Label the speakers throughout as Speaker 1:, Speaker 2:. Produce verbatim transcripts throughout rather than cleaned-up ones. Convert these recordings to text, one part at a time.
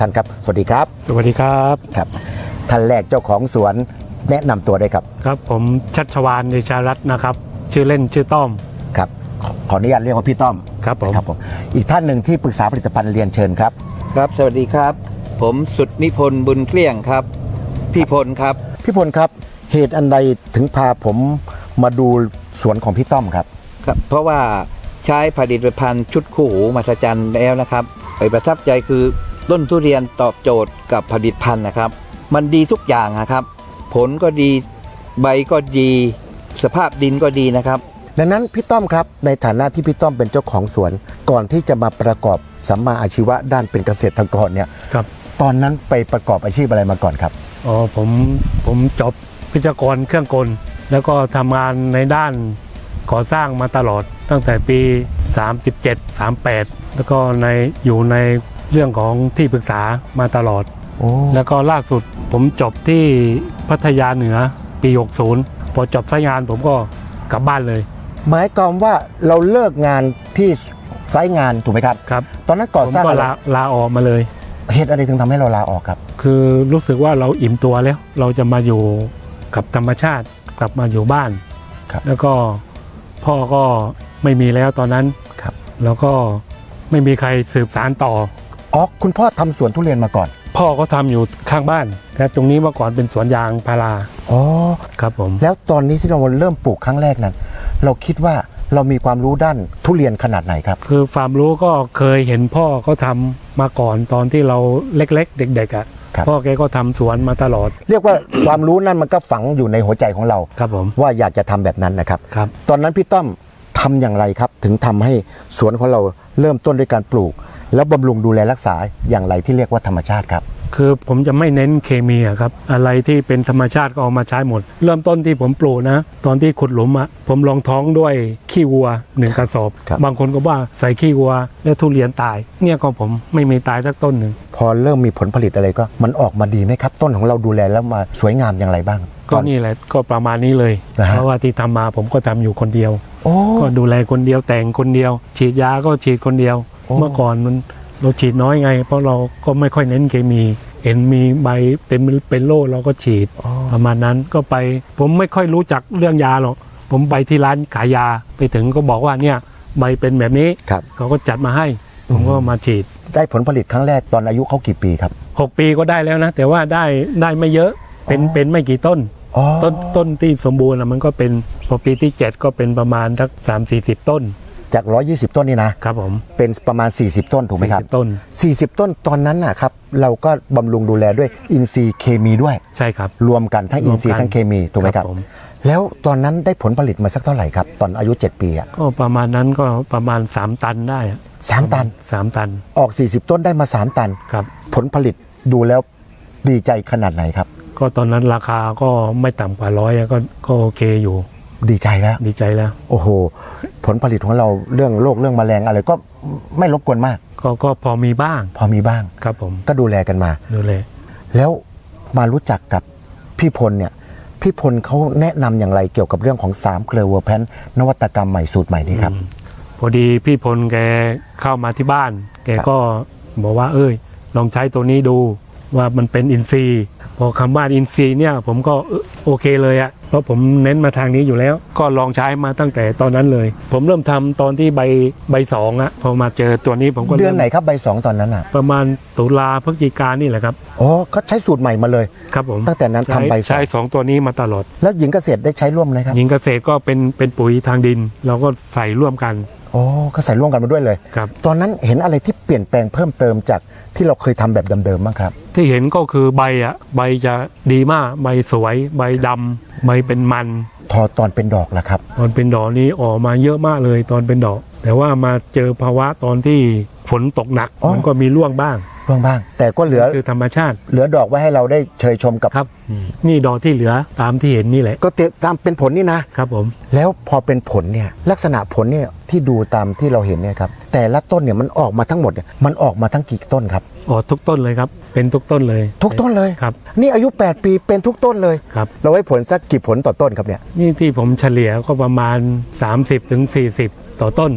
Speaker 1: ท่านครับสวัสดีครับ
Speaker 2: สวัสดีครับ
Speaker 1: ครับท่านแรกเจ้าของสวนแนะนำตัวได้ครับ
Speaker 2: ครับผมชัชวาลเดชารัตน์นะครับชื่อเล่นชื่อต้อม
Speaker 1: ครับขออนุญาตเรียกว่าพี่ต้อม
Speaker 2: ครับผม
Speaker 1: ครับผมอีกท่านหนึ่งที่ปรึกษาผลิตภัณฑ์เรียนเชิญครับ
Speaker 3: ครับสวัสดีครับผมสุดนิพนธ์บุญเกลี้ยงครับพี่พลครับ
Speaker 1: พี่พลครับเหตุอันใดถึงพาผมมาดูสวนของพี่ต้อมครับ
Speaker 3: ครับเพราะว่าใช้ผลิตภัณฑ์ชุดคู่หูมหัศจรรย์แล้วนะครับไปประทับใจคือต้นทุเรียนตอบโจทย์กับผลิตภัณฑ์นะครับมันดีทุกอย่างนะครับผลก็ดีใบก็ดีสภาพดินก็ดีนะครับ
Speaker 1: ดังนั้นพี่ต้อมครับในฐานะที่พี่ต้อมเป็นเจ้าของสวนก่อนที่จะมาประกอบสัมมาอาชีวะด้านเป็นเกษตรกรเนี่ย
Speaker 2: ครับ
Speaker 1: ตอนนั้นไปประกอบอาชีพอะไรมาก่อนครับ
Speaker 2: อ๋อผมผมจบวิศวกรเครื่องกลแล้วก็ทำงานในด้านก่อสร้างมาตลอดตั้งแต่ปีสามสิบเจ็ด สามสิบแปดแล้วก็ในอยู่ในเรื่องของที่ปรึกษามาตลอดแล้วก็ล่าสุดผมจบที่พัทยาเหนือปีหกสิบพอจบสายงานผมก็กลับบ้านเลย
Speaker 1: หมายความว่าเราเลิกงานที่ไซต์งานถูกไหมครับ
Speaker 2: ครับ
Speaker 1: ตอนนั้นก่อสร้าง
Speaker 2: ผมก็ลาลาออกมาเลย
Speaker 1: เหตุอะไรถึงทำให้เราลาออกครับ
Speaker 2: คือรู้สึกว่าเราอิ่มตัวแล้วเราจะมาอยู่กับธรรมชาติกลับมาอยู่บ้านแล้วก็พ่อก็ไม่มีแล้วตอนนั้นแล้วก็ไม่มีใครสืบสานต่อ
Speaker 1: อ๋อคุณพ่อทำสวนทุเรียนมาก่อน
Speaker 2: พ่อก็ทำอยู่ข้างบ้านแต่ตรงนี้เมื่อก่อนเป็นสวนยางพารา
Speaker 1: อ๋อ
Speaker 2: ครับผม
Speaker 1: แล้วตอนนี้ที่เราเริ่มปลูกครั้งแรกนั้นเราคิดว่าเรามีความรู้ด้านทุเรียนขนาดไหนครับ
Speaker 2: คือความรู้ก็เคยเห็นพ่อเขาทำมาก่อนตอนที่เราเล็กๆเด็กๆอ่ะพ่อแกก็ทำสวนมาตลอด
Speaker 1: เรียกว่าความรู้นั่นมันก็ฝังอยู่ในหัวใจของเรา
Speaker 2: ครับผม
Speaker 1: ว่าอยากจะทำแบบนั้นนะครับ
Speaker 2: ครับ
Speaker 1: ตอนนั้นพี่ต้อมทำอย่างไรครับถึงทำให้สวนของเราเริ่มต้นด้วยการปลูกแล้วบำรุงดูแลรักษาอย่างไรที่เรียกว่าธรรมชาติครับ
Speaker 2: คือผมจะไม่เน้นเคมีครับอะไรที่เป็นธรรมชาติก็เอามาใช้หมดเริ่มต้นที่ผมปลูกนะตอนที่ขุดหลุมอ่ะผมลองท้องด้วยขี้วัวหนึ่งกระสอบบางคนก็ว่าใส่ขี้วัวแล้วทุเรียนตายเนี่ยก็ผมไม่มีตายสักต้นหนึ่ง
Speaker 1: พอเริ่มมีผลผลิตอะไรก็มันออกมาดีไหมครับต้นของเราดูแลแล้วมาสวยงามอย่างไรบ้าง
Speaker 2: ก็นี่แหละก็ประมาณนี้เลยเพราะว่าที่ทำมาผมก็ทำอยู่คนเดียวก็ดูแลคนเดียวแต่งคนเดียวฉีดยาก็ฉีดคนเดียวเมื่อก่อนมันเราฉีดน้อยไงเพราะเราก็ไม่ค่อยเน้นเคมีเห็นมีใบเป็นเป็นโรคเราก็ฉีดประมาณนั้นก็ไปผมไม่ค่อยรู้จักเรื่องยาหรอกผมไปที่ร้านขายยาไปถึงก็บอกว่าเนี่ยใบเป็นแบบนี้เขาก็จัดมาให้ผมก็มาฉีด
Speaker 1: ได้ผลผลิตครั้งแรกตอนอายุเขากี่ปีครับ
Speaker 2: หกปีก็ได้แล้วนะแต่ว่าได้ได้ไม่เยอะเป็นเป็นไม่กี่ต้นต้นต้นที่สมบูรณ์มันก็เป็นพอปีที่เจ็ดก็เป็นประมาณสักสามสี่สิบต้น
Speaker 1: จากหนึ่งร้อยยี่สิบต้นนี่นะครับ
Speaker 2: ผม
Speaker 1: เป็นประมาณสี่สิบต้นถูกไหมครับ
Speaker 2: ต้น
Speaker 1: สี่สิบต้นตอนนั้นนะครับเราก็บำรุงดูแลด้วยอินทรีย์เคมีด้วย
Speaker 2: ใช่ครับ
Speaker 1: รวมกันทั้งอินทรีย์ทั้งเคมีถูกไหมครับแล้วตอนนั้นได้ผลผลิตมาสักเท่าไหร่ครับตอนอายุเจ็ดปีอ่ะ
Speaker 2: ก็ประมาณนั้นก็ประมาณสามตันได้
Speaker 1: สามตัน
Speaker 2: สามตัน
Speaker 1: ออกสี่สิบต้นได้มาสามตัน
Speaker 2: ครับ
Speaker 1: ผลผลิตดูแล้วดีใจขนาดไหนครับ
Speaker 2: ก็ตอนนั้นราคาก็ไม่ต่ำกว่าร้อยก็ก็โอเคอยู่
Speaker 1: ดีใจแล้ว
Speaker 2: ดีใจแล้ว
Speaker 1: โอ้โหผลผลิตของเราเรื่องโรคเรื่องแมลงอะไรก็ไม่รบกวนมาก
Speaker 2: ก็ก็พอมีบ้าง
Speaker 1: พอมีบ้าง
Speaker 2: ครับผม
Speaker 1: ก็ดูแลกันมา
Speaker 2: ดูแล
Speaker 1: แล้วมารู้จักกับพี่พลเนี่ยพี่พลเขาแนะนำอย่างไรเกี่ยวกับเรื่องของสามเกลือเวอร์แพนนวัตกรรมใหม่สูตรใหม่นี้ครับ
Speaker 2: พอดีพี่พลแกเข้ามาที่บ้านแกก็บอกว่าเอ้ยลองใช้ตัวนี้ดูว่ามันเป็นอินทรีย์พอคำว่าอินทรีย์เนี่ยผมก็โอเคเลยอะเพราะผมเน้นมาทางนี้อยู่แล้วก็ลองใช้มาตั้งแต่ตอนนั้นเลยผมเริ่มทำตอนที่ใบใบสองอะพอมาเจอตัวนี้ผมก็
Speaker 1: เดือนไหนครับใบสองตอนนั้นอะ
Speaker 2: ประมาณตุลาพฤศจิกายนนี่แหละครับ
Speaker 1: อ๋อก็ใช้สูตรใหม่มาเลย
Speaker 2: ครับผม
Speaker 1: ตั้งแต่นั้นทำใบสอง
Speaker 2: ใช้สองตัวนี้มาตลอด
Speaker 1: แล้วหญิงเกษตรได้ใช้ร่วมไหมครับ
Speaker 2: หญิงเกษตรก็เป็นเป็นปุ๋ยทางดินเราก็ใส่ร่วมกัน
Speaker 1: อ๋อก็ใส่ร่วมกันมาด้วยเลย
Speaker 2: ครับ
Speaker 1: ตอนนั้นเห็นอะไรที่เปลี่ยนแปลงเพิ่มเติมจากที่เราเคยทำแบบเดิมๆบ้างครับ
Speaker 2: ที่เห็นก็คือใบอ่ะใบจะดีมากใบสวยใบดำใบเป็นมัน
Speaker 1: ทอตอนเป็นดอกล่ะครับ
Speaker 2: ตอนเป็นดอกนี้ออกมาเยอะมากเลยตอนเป็นดอกแต่ว่ามาเจอภาวะตอนที่ฝนตกหนักมันก็มีร่วงบ้าง
Speaker 1: ร่วงบ้างแต่ก็เหลือ
Speaker 2: คือธรรมชาติ
Speaker 1: เหลือดอกไว้ให้เราได้เชยชมกับ
Speaker 2: ครับนี่ดอกที่เหลือตามที่เห็นนี่แหละ
Speaker 1: ก็ตามเป็นผลนี่นะครับ
Speaker 2: ผม
Speaker 1: แล้วพอเป็นผลเนี่ยลักษณะผลเนี่ยที่ดูตามที่เราเห็นเนี่ยครับแต่ละต้นเนี่ยมันออกมาทั้งหมดเนี่ยมันออกมาทั้งกี่ต้นครับ
Speaker 2: อ๋อทุกต้นเลยครับเป็นทุกต้นเลย
Speaker 1: ทุกต้นเลย
Speaker 2: ครับ
Speaker 1: นี่อายุแปดปีเป็นทุกต้นเลย
Speaker 2: ครับ
Speaker 1: เราไว้ผลสักกี่ผลต่อต้นครับเนี่ย
Speaker 2: นี่ที่ผมเฉลี่ยก็ประมาณสามสิบถึงสี่สิบต่อต้น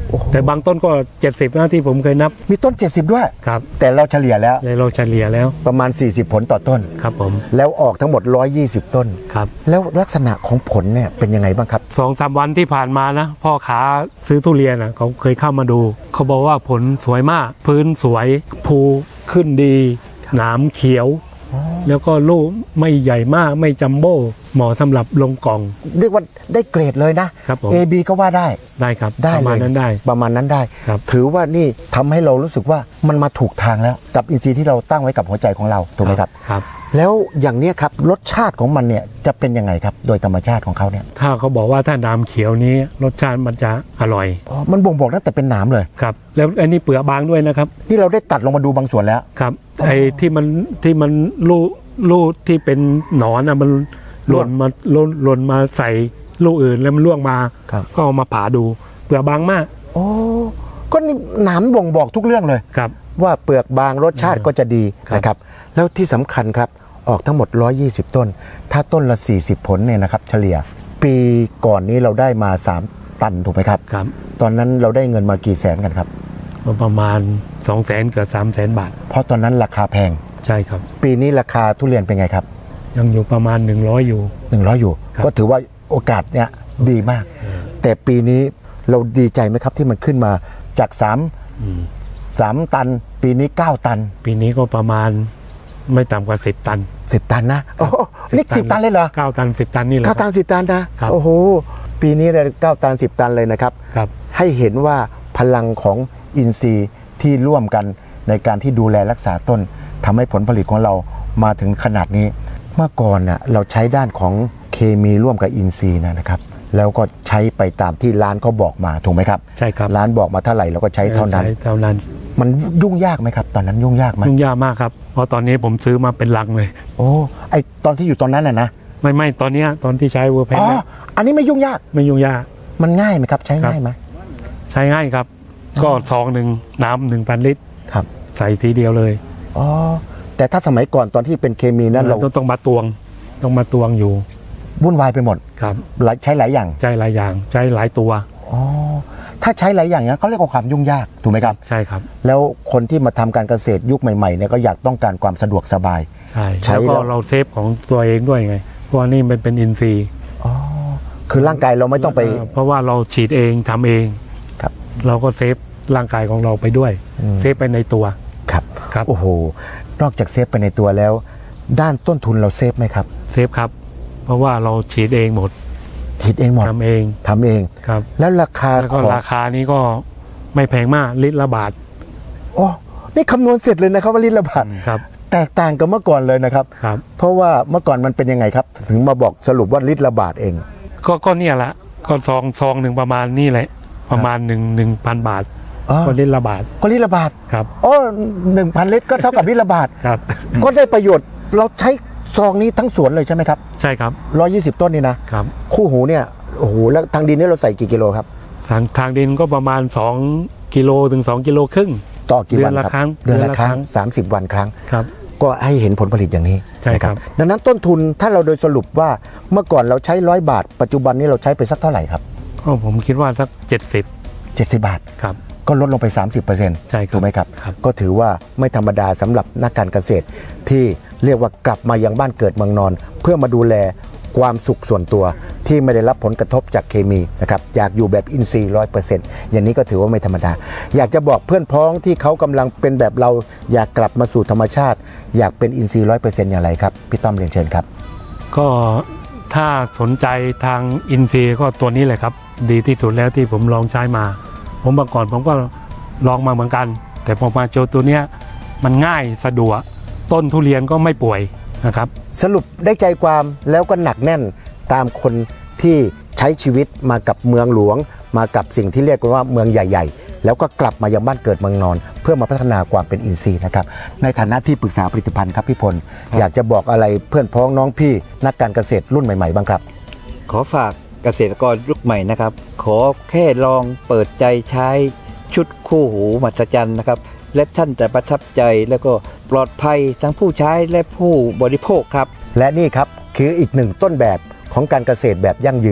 Speaker 2: แต่บางต้นก็เจ็ดสิบนะที่ผมเคยนับ
Speaker 1: มีต้นเจ็ดสิบด้วย
Speaker 2: ครับ
Speaker 1: แต่เราเฉลี่ยแล้ว
Speaker 2: เลยเราเฉลี่ยแล้ว
Speaker 1: ประมาณสี่สิบผลต่อต้น
Speaker 2: ครับผม
Speaker 1: แล้วออกทั้งหมดหนึ่งร้อยยี่สิบต้น
Speaker 2: ครับ
Speaker 1: แล้วลักษณะของผลเนี่ยเป็นยังไงบ้างครับ
Speaker 2: สองสามวันที่ผ่านมานะพ่อค้าซื้อทุเรียนอ่ะเขาเคยเข้ามาดู เขาบอกว่าผลสวยมาก พื้นสวยภูขึ้นดีหนามเขียว แล้วก็ลูกไม่ใหญ่มากไม่จัมโบ้เหมาะสำหรับลงกล่อง
Speaker 1: เรียกว่าได้เกรดเลยนะ
Speaker 2: ครับผม
Speaker 1: A B ก็ว่าได้
Speaker 2: ได้ครับ
Speaker 1: ได้
Speaker 2: ประมาณ
Speaker 1: เลย
Speaker 2: นั้นได้
Speaker 1: ประมาณนั้นได้
Speaker 2: ครับ
Speaker 1: ถือว่านี่ทำให้เรารู้สึกว่ามันมาถูกทางแล้วกับอินทรีย์ที่เราตั้งไว้กับหัวใจของเราถูกไหมครับ
Speaker 2: ครับ
Speaker 1: แล้วอย่างเนี้ยครับรสชาติของมันเนี่ยจะเป็นยังไงครับโดยธรรมชาติของเขาเนี่ย
Speaker 2: ถ้าเขาบอกว่าถ้าน้ำเขียวนี้รสชาติมันจะอร่อย
Speaker 1: อ๋อมันบ่งบอกตั้งแต่เป็นหนามเลย
Speaker 2: ครับ แล้วอันนี้เปลือกบางด้วยนะครับ
Speaker 1: นี่เราได้ตัดลงมาดูบางส่วนแล้ว
Speaker 2: ครับไอ้ที่มันที่มันลูกลูกที่เป็นหนอนอ่ะมันหล่นมาหล่นหล่นมาใส่ลูกอื่นแล้วมันล่วงมา
Speaker 1: ครับ
Speaker 2: ก็เอามาผ่าดูเปลือกบางมาก
Speaker 1: โอ้ก็นี่หนามบ่งบอกทุกเรื่องเลย
Speaker 2: ครับ
Speaker 1: ว่าเปลือกบางรสชาติก็จะดี
Speaker 2: ครับ
Speaker 1: นะครับแล้วที่สำคัญครับออกทั้งหมดหนึ่งร้อยยี่สิบต้น ถ้าต้นละสี่สิบผลเนี่ยนะครับเฉลี่ย ปีก่อนนี้เราได้มาสามตันถูกไหมครับ
Speaker 2: ครับ
Speaker 1: ตอนนั้นเราได้เงินมากี่แสนกันครับ
Speaker 2: ก็ประมาณสองแสนเกือบสามแสนบาท
Speaker 1: เพราะตอนนั้นราคาแพง
Speaker 2: ใช่ครับ
Speaker 1: ปีนี้ราคาทุเรียนเป็นไงครับ
Speaker 2: ยังอยู่ประมาณหนึ่งร้อยอยู่
Speaker 1: หนึ่งร้อยอยู่
Speaker 2: ครับ
Speaker 1: ก็ถือว่าโอกาสเนี่ยดีมาก แต่ปีนี้เราดีใจไหมครับที่มันขึ้นมาจากสาม
Speaker 2: อืม
Speaker 1: สามตัน ปีนี้เก้าตัน
Speaker 2: ปีนี้ก็ประมาณไม่ต่ำกว่าสิบตัน
Speaker 1: สิบตันนะโอ้โหนี่สิบตันเลยเหรอ
Speaker 2: เก้าตันสิบตันนี่แหละ
Speaker 1: เก้าตันสิบตันนะครับ โอ้โหปีนี้เลยเก้าตันสิบตันเลยนะครับ
Speaker 2: ครับ
Speaker 1: ให้เห็นว่าพลังของอินทรีย์ที่ร่วมกันในการที่ดูแลรักษาต้นทำให้ผลผลิตของเรามาถึงขนาดนี้ เมื่อก่อนน่ะเราใช้ด้านของเคมีร่วมกับอินทรีย์นะครับ แล้วก็ใช้ไปตามที่ร้านเขาบอกมาถูกไหมครับ
Speaker 2: ใช่ครับ
Speaker 1: ร้านบอกมาเท่าไหร่เราก็ใช้เท่านั้น
Speaker 2: ใช้เท่านั้น
Speaker 1: มันยุ่งยากไหมครับ ตอนนั้นยุ่งยากไหม
Speaker 2: ยุ่งยากมากครับ เพราะตอนนี้ผมซื้อมาเป็นลังเลย
Speaker 1: โอ้ไอตอนที่อยู่ตอนนั้นน่ะนะ
Speaker 2: ไม่ไม่ตอนเนี้ยตอนที่ใช้เวอร์แพน
Speaker 1: อ๋อ
Speaker 2: เนี่ย
Speaker 1: อันนี้ไม่ยุ่งยาก
Speaker 2: ไม่ยุ่งยาก
Speaker 1: มันง่ายไหมครับใช้
Speaker 2: ครับ
Speaker 1: ง่ายไหม
Speaker 2: ใช้ง่ายครับ ก็ซองหนึ่งน้ำหนึ่งพันลิตร
Speaker 1: ครับ
Speaker 2: ใส่ทีเดียวเลย
Speaker 1: อ๋อแต่ถ้าสมัยก่อนตอนที่เป็นเคมีนั้นเรา
Speaker 2: ต้องต้องมาตวง ต้องมาตวงอยู่
Speaker 1: วุ่นวายไปหมด
Speaker 2: ครับ
Speaker 1: หลายใช้หลายอย่าง
Speaker 2: ใช้หลายอย่างใช้หลายตัว
Speaker 1: อ๋อถ้าใช้หลายอย่างนั้นเขาเรียกว่าความยุ่งยากถูกไหมครับ
Speaker 2: ใช่ครับ
Speaker 1: แล้วคนที่มาทำการเกษตรยุคใหม่ๆเนี่ยก็อยากต้องการความสะดวกสบาย
Speaker 2: ใช่
Speaker 1: ใช้
Speaker 2: แล้วก็
Speaker 1: แล้ว
Speaker 2: เราเซฟของตัวเองด้วยไงเพราะว่านี่มันเป็นอินทรีย์
Speaker 1: อ๋อคือร่างกายเราไม่ต้องไป
Speaker 2: เเพราะว่าเราฉีดเองทำเอง
Speaker 1: ครับ
Speaker 2: เราก็เซฟร่างกายของเราไปด้วย
Speaker 1: อืม
Speaker 2: เซฟไปในตัว
Speaker 1: ครับ
Speaker 2: ครับ
Speaker 1: โอ้โหนอกจากเซฟไปในตัวแล้ว ด้านต้นทุนเราเซฟไหมครับ
Speaker 2: เซฟครับ เพราะว่าเราฉีดเองหมด
Speaker 1: คิดเองหมด
Speaker 2: ทำเอง
Speaker 1: ทำเอง
Speaker 2: ครับ
Speaker 1: แล้วราคา
Speaker 2: แล้ว
Speaker 1: ข
Speaker 2: ก็
Speaker 1: อง
Speaker 2: ราคานี้ก็ไม่แพงมากลิตรละบาท
Speaker 1: โอ้นี่คำนวณเสร็จเลยนะครับว่าลิตรละบาท
Speaker 2: ครับ
Speaker 1: แตกต่างกับเมื่อก่อนเลยนะครับ
Speaker 2: ครับ
Speaker 1: เพราะว่าเมื่อก่อนมันเป็นยังไงครับ ถึงมาบอกสรุปว่าลิตรละบาทเอง
Speaker 2: ก็ก็เนี่ยละก็ซองซองหนึ่งประมาณนี่แหละ ประมาณหนึ่งหนึ่งพันบาท
Speaker 1: อ๋อ
Speaker 2: ก็ลิตรละบาท
Speaker 1: ก็ลิตรละบาท
Speaker 2: ครับ
Speaker 1: โอ้หนึ่งพันลิตรก็เท่ากับลิตรละบาท
Speaker 2: ครับ
Speaker 1: ก็ได้ประโยชน์เราใช้ซองนี้ทั้งสวนเลยใช่ไหมครับ
Speaker 2: ใช่ครับ
Speaker 1: ร้อยยี่สิบต้นนี่นะครับ คู่หูเนี่ยโอ้โหแล้วทางดินนี่เราใส่กี่กิโลครับ
Speaker 2: ทางทางดินก็ประมาณสองกิโลถึงสองกิโลครึ่ง
Speaker 1: ต่อกี่วัน
Speaker 2: เดือนละ
Speaker 1: ครับ
Speaker 2: ครั้ง
Speaker 1: เดือนละ
Speaker 2: เดือนละ
Speaker 1: ครั้ง
Speaker 2: ครั้ง
Speaker 1: สามสิบวันครั้ง
Speaker 2: ครับ
Speaker 1: ก็ให้เห็นผลผลิตอย่างนี้
Speaker 2: ใช่ครับ
Speaker 1: นะดังนั้นต้นทุนถ้าเราโดยสรุปว่าเมื่อก่อนเราใช้ร้อยบาท ปัจจุบันนี้เราใช้ไปสักเท่าไหร่ครับ
Speaker 2: ก็ผมคิดว่าสักเจ็ดสิบ
Speaker 1: เจ็ดสิบบาท
Speaker 2: ครับ
Speaker 1: ก็ลดลงไป สามสิบเปอร์เซ็นต์
Speaker 2: ใช่ครับ
Speaker 1: ถูกไหมครับ
Speaker 2: ครับ
Speaker 1: ก็ถือว่าไม่ธรรมดาสำหรับนักการเกษตร ที่เรียกว่ากลับมายังบ้านเกิดเมืองนอน เพื่อมาดูแลความสุขส่วนตัวที่ไม่ได้รับผลกระทบจากเคมีนะครับอยากอยู่แบบอินทรีย์ร้อยเปอร์เซ็นต์อย่างนี้ก็ถือว่าไม่ธรรมดา อยากจะบอกเพื่อนพ้องที่เขากำลังเป็นแบบเราอยากกลับมาสู่ธรรมชาติ อยากเป็นอินทรีย์ร้อยเปอร์เซ็นต์อย่างไรครับพี่ต้อมเรียนเชิญครับ
Speaker 2: ก็ถ้าสนใจทางอินซีย์ก็ตัวนี้เลยครับ ดีที่สุดแล้วที่ผมลองใช้มา ผมเมื่อก่อนผมก็ลองมาเหมือนกัน แต่พอมาเจอตัวเนี้ยมันง่ายสะดวกต้นทุเรียนก็ไม่ป่วยนะครับ
Speaker 1: สรุปได้ใจความแล้วก็หนักแน่นตามคนที่ใช้ชีวิตมากับเมืองหลวง มากับสิ่งที่เรียกว่าเมืองใหญ่ๆ แล้วก็กลับมายังบ้านเกิดเมืองนอน เพื่อมาพัฒนาความเป็นอินทรีย์นะครับในฐานะที่ปรึกษาผลิตภัณฑ์ครับพี่พลอยากจะบอกอะไรเพื่อนพ้องน้องพี่นักการเกษตรรุ่นใหม่ๆบ้างครับ
Speaker 3: ขอฝากเกษตรกรยุคใหม่นะครับ ขอแค่ลองเปิดใจใช้ชุดคู่หูมหัศจรรย์นะครับ และท่านจะประทับใจแล้วก็ปลอดภัยทั้งผู้ใช้และผู้บริโภคครับ
Speaker 1: และนี่ครับคืออีกหนึ่งต้นแบบของการเกษตรแบบยั่งยืน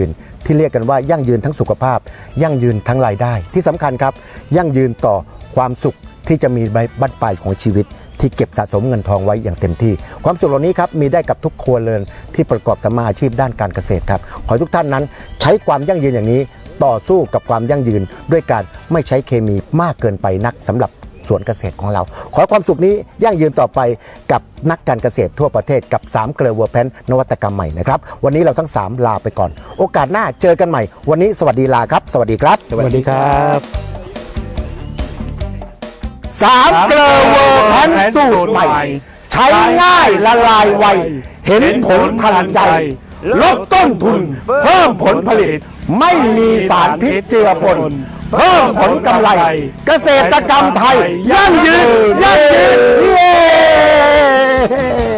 Speaker 1: ที่เรียกกันว่ายั่งยืนทั้งสุขภาพ ยั่งยืนทั้งรายได้ที่สำคัญครับยั่งยืนต่อความสุขที่จะมีในบั้นปลายของชีวิตที่เก็บสะสมเงินทองไว้อย่างเต็มที่ความสุขเหล่านี้ครับมีได้กับทุกครัวเรือนที่ประกอบสัมมาอาชีพด้านการเกษตรครับขอให้ทุกท่านนั้นใช้ความยั่งยืนอย่างนี้ต่อสู้กับความยั่งยืนด้วยการไม่ใช้เคมีมากเกินไปนักสำหรับสวนเกษตรของเราขอความสุขนี้ยั่งยืนต่อไปกับนักการเกษตรทั่วประเทศกับสามเกลือเวอร์แพนนวัตกรรมใหม่นะครับวันนี้เราทั้งสามลาไปก่อนโอกาสหน้าเจอกันใหม่วันนี้สวัสดีลาครับสวัสดีครับ
Speaker 2: สวัสดีครับ
Speaker 1: สามเกลือเวอร์แพนสูตรใหม่ใช้ง่ายละลายไวเห็นผลทันใจลดต้นทุนเพิ่มผลผลิตไม่มีสารพิษเจือปนเพิ่มผลกำไรเกษตรกรรมไทยยั่งยืนยั่งยืนเย้